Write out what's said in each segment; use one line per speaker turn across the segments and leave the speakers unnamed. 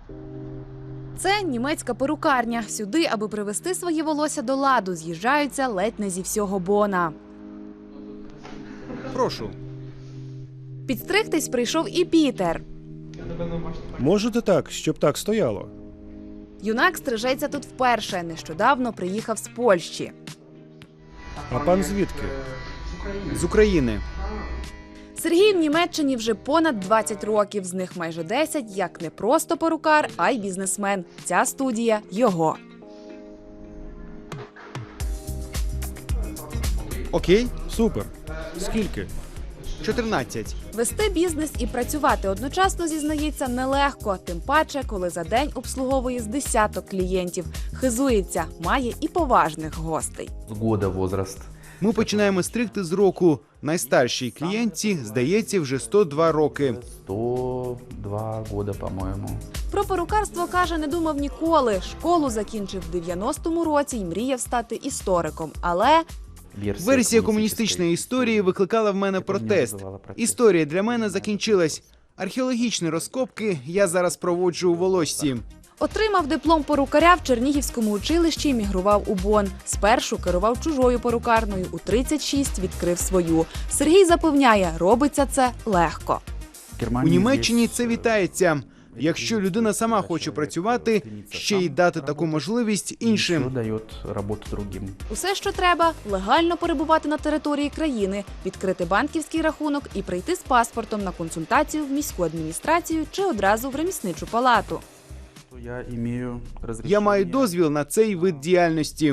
Це німецька перукарня. Сюди, аби привести своє волосся до ладу, з'їжджаються ледь не зі всього Бона.
Прошу.
Підстригтись прийшов і Пітер.
Можете так, щоб так стояло?
Юнак стрижеться тут вперше. Нещодавно приїхав з Польщі.
А пан звідки?
З України.
Сергій в Німеччині вже понад 20 років. З них майже 10 як не просто перукар, а й бізнесмен. Ця студія – його.
Окей.
Супер. Скільки?
14.
Вести бізнес і працювати одночасно, зізнається, нелегко. Тим паче, коли за день обслуговує з десяток клієнтів. Хизується, має і поважних гостей.
С года возраст.
Ми починаємо стригти з року. Найстаршій клієнтці, здається, вже 102 роки.
102 года, по-моему.
Про перукарство, каже, не думав ніколи. Школу закінчив в 90-му році і мріяв стати істориком. Але
Версія комуністичної історії викликала в мене протест. Історія для мене закінчилась. Археологічні розкопки я зараз проводжу у Волошці.
отримав диплом перукаря в Чернігівському училищі і мігрував у Бон. Спершу керував чужою перукарною, у 36 відкрив свою. Сергій запевняє, робиться це легко.
У Німеччині це вітається. Якщо людина сама хоче працювати, ще й дати таку можливість іншим.
Дає роботу другим.
Усе, що треба – легально перебувати на території країни, відкрити банківський рахунок і прийти з паспортом на консультацію в міську адміністрацію чи одразу в ремісничу палату.
Я маю дозвіл на цей вид діяльності.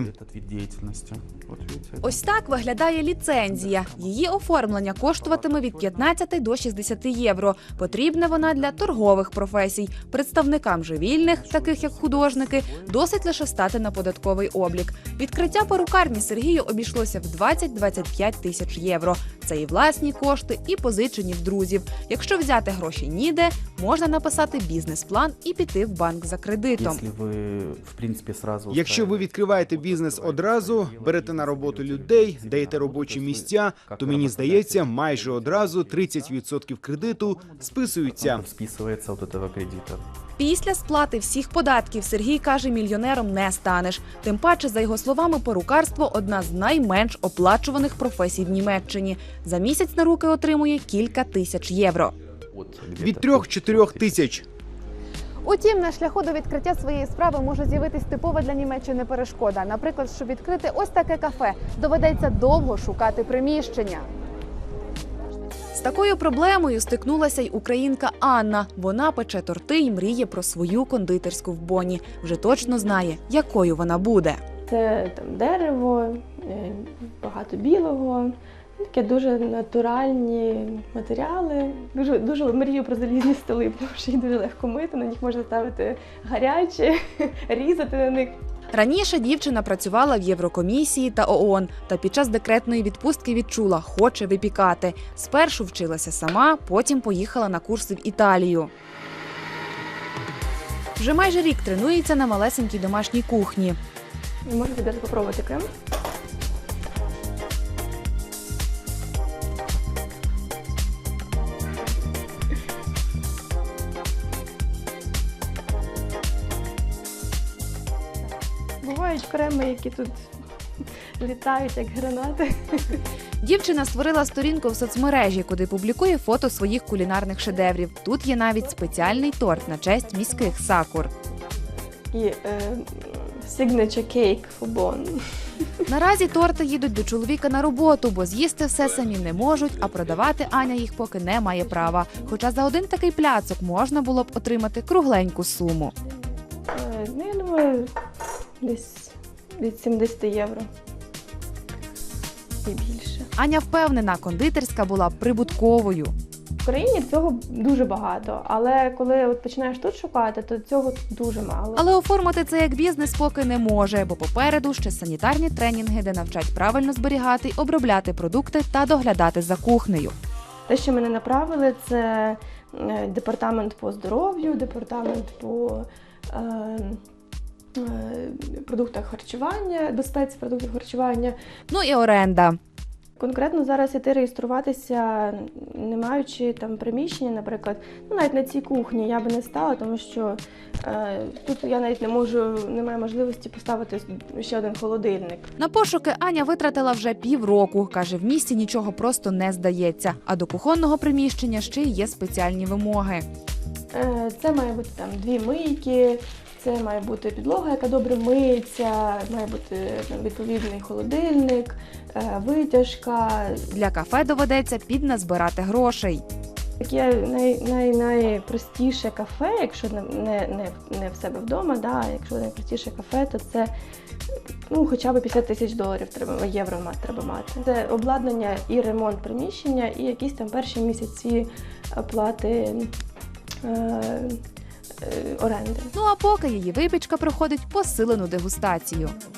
Ось так виглядає ліцензія. Її оформлення коштуватиме від 15 до 60 євро. Потрібна вона для торгових професій. Представникам же вільних, таких як художники, досить лише стати на податковий облік. Відкриття перукарні Сергію обійшлося в 20-25 тисяч євро. Це і власні кошти, і позичені в друзів. Якщо взяти гроші ніде, можна написати бізнес-план і піти в банк за кредитом.
Якщо ви відкриваєте бізнес одразу, берете на роботу людей, даєте робочі місця, то, мені здається, майже одразу 30% кредиту списуються.
Після сплати всіх податків Сергій каже, мільйонером не станеш. Тим паче, за його словами, перукарство – одна з найменш оплачуваних професій в Німеччині. За місяць на руки отримує кілька тисяч євро.
Від 3-4 тисяч.
Утім, на шляху до відкриття своєї справи може з'явитись типова для Німеччини перешкода. Наприклад, щоб відкрити ось таке кафе, доведеться довго шукати приміщення.
З такою проблемою стикнулася й українка Анна. Вона пече торти і мріє про свою кондитерську в Боні. Вже точно знає, якою вона буде.
Це там дерево, багато білого, таке дуже натуральні матеріали. Дуже мрію про залізні столи, тому що їх дуже легко мити, на них можна ставити гаряче, різати на них.
Раніше дівчина працювала в Єврокомісії та ООН, та під час декретної відпустки відчула – хоче випікати. Спершу вчилася сама, потім поїхала на курси в Італію. Вже майже рік тренується на малесенькій домашній кухні.
Можна відразу спробувати крем. Бувають креми, які тут літають, як гранати.
Дівчина створила сторінку в соцмережі, куди публікує фото своїх кулінарних шедеврів. Тут є навіть спеціальний торт на честь міських сакур.
І signature cake for Bonn.
Наразі торти їдуть до чоловіка на роботу, бо з'їсти все самі не можуть, а продавати Аня їх поки не має права. Хоча за один такий пляцок можна було б отримати кругленьку суму.
Я думаю, десь від 70 євро і більше.
Аня впевнена, кондитерська була прибутковою.
В Україні цього дуже багато, але коли от починаєш тут шукати, то цього дуже мало.
Але оформити це як бізнес поки не може, бо попереду ще санітарні тренінги, де навчать правильно зберігати й обробляти продукти та доглядати за кухнею.
Те, що мене направили, це департамент по здоров'ю, департамент по продуктах харчування, безпеці продуктів харчування.
Ну і оренда.
конкретно зараз іти реєструватися, не маючи там приміщення, наприклад, ну навіть на цій кухні я би не стала, тому що тут я навіть не маю можливості поставити ще один холодильник.
На пошуки Аня витратила вже півроку. Каже, в місті нічого просто не здається. А до кухонного приміщення ще й є спеціальні вимоги.
Це має бути там 2 мийки, це має бути підлога, яка добре миється, має бути там відповідний холодильник, витяжка.
Для кафе доведеться підназбирати грошей.
Таке найпростіше кафе, якщо не в себе вдома, да, якщо найпростіше кафе, то це хоча б $50,000 євро треба мати. Це обладнання і ремонт приміщення, і якісь там перші місяці оплати оренди.
Ну а поки її випічка проходить посилену дегустацію.